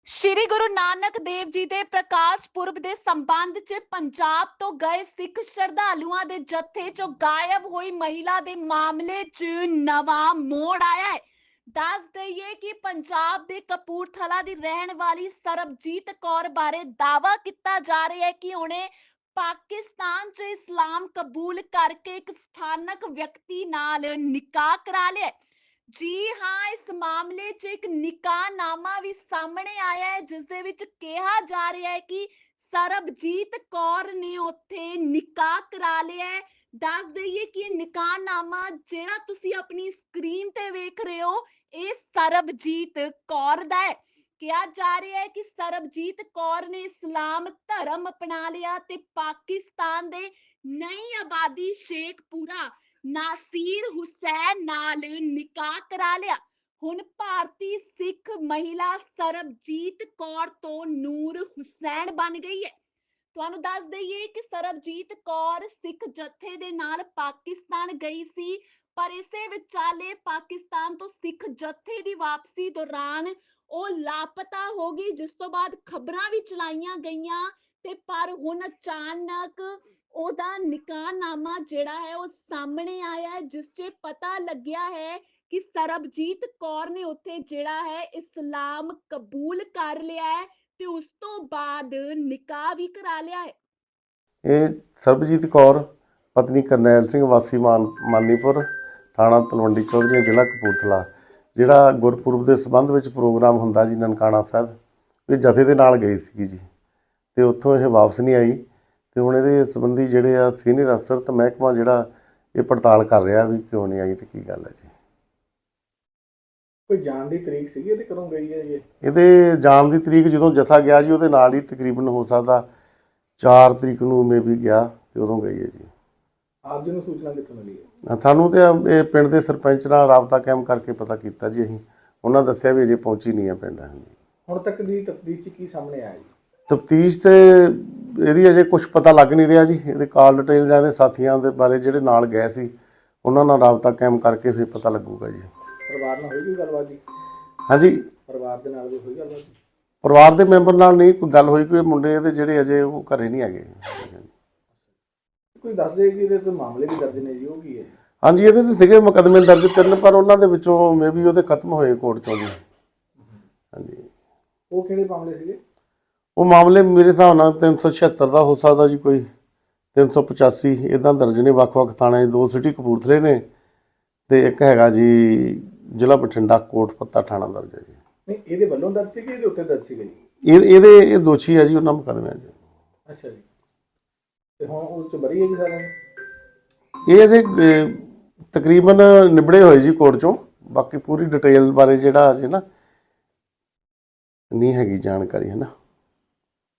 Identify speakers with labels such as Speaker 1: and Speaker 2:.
Speaker 1: ਸ਼੍ਰੀ ਗੁਰੂ ਨਾਨਕ ਦੇਵ ਜੀ ਦੇ ਪ੍ਰਕਾਸ਼ ਪੁਰਬ ਦੇ ਸੰਬੰਧ 'ਚ ਪੰਜਾਬ ਤੋਂ ਗਏ ਸਿੱਖ ਸ਼ਰਧਾਲੂਆਂ ਦੇ ਜੱਥੇ 'ਚੋਂ ਗਾਇਬ ਹੋਈ ਮਹਿਲਾ ਦੇ ਮਾਮਲੇ 'ਚ ਨਵਾਂ ਮੋੜ ਆਇਆ ਹੈ। ਦੱਸ ਦਈਏ ਕਿ ਪੰਜਾਬ ਦੇ ਕਪੂਰਥਲਾ ਦੀ ਰਹਿਣ ਵਾਲੀ ਸਰਬਜੀਤ ਕੌਰ ਬਾਰੇ ਦਾਅਵਾ ਕੀਤਾ ਜਾ ਰਿਹਾ ਹੈ ਕਿ ਉਹਨੇ ਪਾਕਿਸਤਾਨ 'ਚ ਇਸਲਾਮ ਕਬੂਲ ਕਰਕੇ ਇੱਕ ਸਥਾਨਕ ਵਿਅਕਤੀ ਨਾਲ ਨਿਕਾਹ ਕਰਾ ਲਿਆ ਹੈ। ਜੀ ਹਾਂ, ਇਸ ਮਾਮਲੇ 'ਚ ਇੱਕ ਨਿਕਾਹਨਾਮਾ ਵੀ ਸਾਹਮਣੇ ਆਇਆ ਹੈ ਜਿਸ ਦੇ ਵਿੱਚ ਕਿਹਾ ਜਾ ਰਿਹਾ ਹੈ ਕਿ ਸਰਬਜੀਤ ਕੌਰ ਨੇ ਉੱਥੇ ਨਿਕਾਹ ਕਰਾ ਲਿਆ ਹੈ। ਦੱਸ ਦਈਏ ਕਿ ਇਹ ਨਿਕਾਹਨਾਮਾ ਜਿਹੜਾ ਤੁਸੀਂ ਆਪਣੀ ਸਕਰੀਨ ਤੇ ਵੇਖ ਰਹੇ ਹੋ, ਇਹ ਸਰਬਜੀਤ ਕੌਰ ਦਾ ਹੈ। ਕਿਹਾ ਜਾ ਰਿਹਾ ਹੈ ਕਿ ਸਰਬਜੀਤ ਕੌਰ ਨੇ ਇਸਲਾਮ ਧਰਮ ਅਪਣਾ ਲਿਆ ਤੇ ਪਾਕਿਸਤਾਨ ਦੇ ਨਈ ਆਬਾਦੀ ਸ਼ੇਖਪੁਰਾ ਨਾਸੀਰ ਹੁਸੈਨ ਨਾਲ ਨਿਕਾਹ ਕਰਾ ਲਿਆ। ਹੁਣ ਭਾਰਤੀ ਸਿੱਖ ਮਹਿਲਾ ਸਰਬਜੀਤ ਕੌਰ ਤੋਂ ਨੂਰ ਹੁਸੈਨ ਬਣ ਗਈ ਹੈ। ਤੁਹਾਨੂੰ ਦੱਸ ਦਈਏ ਕਿ ਸਰਬਜੀਤ ਕੌਰ ਸਿੱਖ ਜਥੇ ਦੇ ਨਾਲ ਪਾਕਿਸਤਾਨ ਗਈ ਸੀ, ਪਰ ਇਸੇ ਵਿਚਾਲੇ ਪਾਕਿਸਤਾਨ ਤੋਂ ਸਿੱਖ ਜਥੇ ਦੀ ਵਾਪਸੀ ਦੌਰਾਨ ਉਹ ਲਾਪਤਾ ਹੋ ਗਈ, ਜਿਸ ਤੋਂ ਬਾਅਦ ਖਬਰਾਂ ਵੀ ਚਲਾਈਆਂ ਗਈਆਂ ਤੇ ਪਰ ਹੁਣ ਅਚਾਨਕ ਉਹਦਾ ਨਿਕਾਹਨਾਮਾ ਜਿਹੜਾ ਹੈ ਉਹ ਸਾਹਮਣੇ ਆਇਆ ਹੈ, ਜਿਸ 'ਚ ਪਤਾ ਲੱਗਿਆ ਹੈ ਕਿ ਸਰਬਜੀਤ ਕੌਰ ਨੇ ਉੱਥੇ ਜਿਹੜਾ ਹੈ ਇਸਲਾਮ ਕਬੂਲ ਕਰ ਲਿਆ ਹੈ ਤੇ ਉਸ ਤੋਂ ਬਾਅਦ ਨਿਕਾਹ ਵੀ ਕਰਾ ਲਿਆ ਹੈ।
Speaker 2: ਇਹ ਸਰਬਜੀਤ ਕੌਰ ਪਤਨੀ ਕਰਨੈਲ ਸਿੰਘ ਵਾਸੀ ਮਾਨੀਪੁਰ ਥਾਣਾ ਤਲਵੰਡੀ ਚੌਧਰੀ ਜ਼ਿਲ੍ਹਾ ਕਪੂਰਥਲਾ, ਜਿਹੜਾ ਗੁਰਪੁਰਬ ਦੇ ਸੰਬੰਧ ਵਿੱਚ ਪ੍ਰੋਗਰਾਮ ਹੁੰਦਾ ਜੀ ਨਨਕਾਣਾ ਸਾਹਿਬ, ਇਹ ਜਥੇ ਦੇ ਨਾਲ ਗਈ ਸੀਗੀ ਜੀ ਅਤੇ ਉੱਥੋਂ ਇਹ ਵਾਪਸ ਨਹੀਂ ਆਈ ਅਤੇ ਹੁਣ ਇਹਦੇ ਸੰਬੰਧੀ ਜਿਹੜੇ ਆ ਸੀਨੀਅਰ ਅਫਸਰ ਅਤੇ ਮਹਿਕਮਾ ਜਿਹੜਾ ਇਹ ਪੜਤਾਲ ਕਰ ਰਿਹਾ ਵੀ ਕਿਉਂ ਨਹੀਂ ਆਈ ਅਤੇ ਕੀ ਗੱਲ ਹੈ ਜੀ।
Speaker 3: ਕੋਈ ਜਾਣ ਦੀ ਤਰੀਕ ਸੀਗੀ ਇਹਦੇ ਕਦੋਂ ਗਈ ਹੈ ਜੀ?
Speaker 2: ਇਹਦੇ ਜਾਣ ਦੀ ਤਰੀਕ ਜਦੋਂ ਜਥਾ ਗਿਆ ਜੀ ਉਹਦੇ ਨਾਲ ਹੀ ਤਕਰੀਬਨ ਹੋ ਸਕਦਾ 4 ਤਰੀਕ ਨੂੰ ਮੇਬੀ ਗਿਆ ਅਤੇ ਉਦੋਂ ਗਈ ਹੈ ਜੀ।
Speaker 3: ਆਪ ਜੀ ਨੂੰ ਸੂਚਨਾ ਕਿੱਥੋਂ ਮਿਲੀ ਹੈ?
Speaker 2: ਸਾਨੂੰ ਤਾਂ ਇਹ ਪਿੰਡ ਦੇ ਸਰਪੰਚ ਨਾਲ ਰਾਬਤਾ ਕਾਇਮ ਕਰਕੇ ਪਤਾ ਕੀਤਾ ਜੀ ਅਸੀਂ, ਉਹਨਾਂ ਦੱਸਿਆ ਵੀ ਅਜੇ ਪਹੁੰਚੀ ਨਹੀਂ ਹੈ ਪਿੰਡ।
Speaker 3: ਹੁਣ ਤੱਕ ਦੀ ਤਫਤੀਸ਼ 'ਚ ਕੀ ਸਾਹਮਣੇ ਆਇਆ ਜੀ?
Speaker 2: ਤਫਤੀਸ਼ ਤੇ ਇਹਦੀ ਅਜੇ ਕੁਝ ਪਤਾ ਲੱਗ ਨਹੀਂ ਰਿਹਾ ਜੀ। ਇਹਦੇ ਕਾਲ ਡਿਟੇਲ ਜਾਂ ਇਹਦੇ ਸਾਥੀਆਂ ਦੇ ਬਾਰੇ ਜਿਹੜੇ ਨਾਲ ਗਏ ਸੀ ਉਹਨਾਂ ਨਾਲ ਰਾਬਤਾ ਕਾਇਮ ਕਰਕੇ ਫਿਰ ਪਤਾ ਲੱਗੂਗਾ ਜੀ।
Speaker 3: ਪਰਿਵਾਰ ਨਾਲ ਹੋਈ ਕੋਈ ਗੱਲਬਾਤ ਜੀ?
Speaker 2: ਹਾਂਜੀ,
Speaker 3: ਪਰਿਵਾਰ ਦੇ ਨਾਲ ਵੀ ਹੋਈ ਗੱਲਬਾਤ ਜੀ?
Speaker 2: ਪਰਿਵਾਰ ਦੇ ਮੈਂਬਰ ਨਾਲ ਨਹੀਂ ਕੋਈ ਗੱਲ ਹੋਈ, ਕੋਈ ਮੁੰਡੇ ਇਹਦੇ ਜਿਹੜੇ ਅਜੇ ਉਹ ਘਰੇ ਨਹੀਂ ਹੈਗੇ।
Speaker 3: ਕੋਈ ਦੱਸਦੇ ਕਿ ਇਹਦੇ ਕੋਈ ਮਾਮਲੇ ਵੀ ਦਰਜ ਨੇ ਜੀ, ਉਹ ਕੀ ਹੈ?
Speaker 2: ਹਾਂਜੀ, ਇਹਦੇ ਤੇ ਸੀਗੇ ਮੁਕੱਦਮੇ ਦਰਜ 3, ਪਰ ਉਹਨਾਂ ਦੇ ਵਿੱਚੋਂ ਮੇਬੀ ਉਹਦੇ ਖਤਮ ਹੋਏ ਕੋਰਟ 'ਚੋਂ ਜੀ। ਹਾਂਜੀ,
Speaker 3: ਉਹ ਕਿਹੜੇ ਮਾਮਲੇ ਸੀਗੇ?
Speaker 2: ਉਹ ਮਾਮਲੇ ਮੇਰੇ ਹਿਸਾਬ ਨਾਲ 376 ਦਾ ਹੋ ਸਕਦਾ ਜੀ, ਕੋਈ 385 ਇੱਦਾਂ ਦਰਜ ਨੇ ਵੱਖ-ਵੱਖ ਥਾਣੇ। 2 ਸਿਟੀ ਕਪੂਰਥਲੇ ਨੇ ਅਤੇ ਇੱਕ ਹੈਗਾ ਜੀ ਜ਼ਿਲ੍ਹਾ ਬਠਿੰਡਾ ਕੋਟ ਪੱਤਾ ਥਾਣਾ ਦਰਜ ਹੈ ਜੀ।
Speaker 3: ਨਹੀਂ, ਇਹਦੇ ਵੱਲੋਂ ਦਰਜ ਸੀਗੇ, ਇਹਦੇ ਉੱਤੇ ਦਰਜ ਸੀਗੇ ਜੀ?
Speaker 2: ਇਹ ਦੋਸ਼ੀ ਹੈ ਜੀ ਉਹਨਾਂ ਮੁਕੱਦਮਿਆਂ 'ਚ।
Speaker 3: ਅੱਛਾ ਜੀ, ਤੇ ਹੁਣ ਉਹ 'ਚ ਬਰੀ ਹੈ ਜੀ ਸਾਰਿਆਂ ਨੂੰ?
Speaker 2: ਇਹਦੇ ਤਕਰੀਬਨ ਨਿਬੜੇ ਹੋਏ ਜੀ ਕੋਰਟ 'ਚੋਂ। ਬਾਕੀ ਪੂਰੀ ਡਿਟੇਲ ਬਾਰੇ ਜਿਹੜਾ ਅਜੇ ਨਾ ਨਹੀਂ ਹੈਗੀ ਜਾਣਕਾਰੀ, ਹੈ ਨਾ।